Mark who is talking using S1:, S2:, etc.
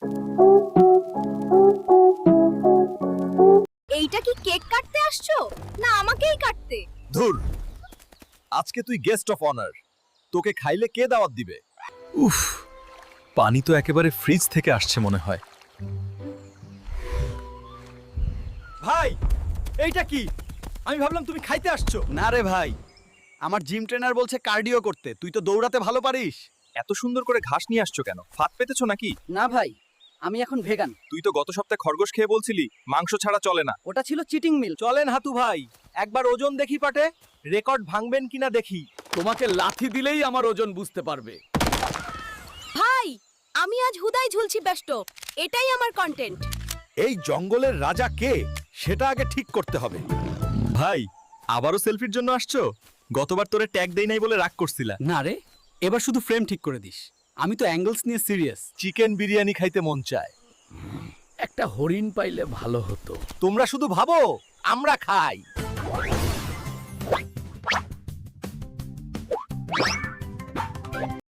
S1: এইটা কি কেক কাটতে আসছো না আমাকেই কাটতে?
S2: ধুর, আজকে তুই গেস্ট অফ অনার, তোকে খাইলে কে দাওয়াত দিবে? উফ, পানি তো একেবারে ফ্রিজ থেকে আসছে মনে হয়। ভাই, এইটা কি? আমি ভাবলাম তুমি খাইতে আসছো।
S3: না রে ভাই, আমার জিম ট্রেনার বলছে কার্ডিও করতে। তুই তো দৌড়াতে ভালো পারিস।
S2: এত সুন্দর করে ঘাস নিয়ে আসছো কেন? ফাত পেতেছো নাকি?
S4: না ভাই, আমি এখন ভেগান।
S2: তুই তো গত সপ্তাহে খরগোশ খেয়ে বলছিলি মাংস ছাড়া চলে না।
S4: ওটা ছিল চিটিং মিল।
S2: চলেন হাতু ভাই, একবার ওজন দেখি পাটে, রেকর্ড ভাঙবেন কিনা দেখি।
S3: তোমাকে লাথি দিলেই আমার ওজন বুঝতে পারবে।
S1: ভাই, আমি আজ হুদাই ঝুলছি ব্যস্ত। এটাই আমার কন্টেন্ট।
S2: এই জঙ্গলের রাজা কে সেটা আগে ঠিক করতে হবে। ভাই, আবারও সেলফির জন্য আসছো? গতবার তোরে ট্যাগ দেই নাই বলে রাগ করছিলা।
S3: না রে, এবার শুধু ফ্রেম ঠিক করে দিস। আমি তো অ্যাঙ্গেলস নিয়ে সিরিয়াস।
S2: চিকেন বিরিয়ানি খাইতে মন চায়।
S3: একটা হরিণ পাইলে ভালো হতো।
S2: তোমরা শুধু ভাবো, আমরা খাই।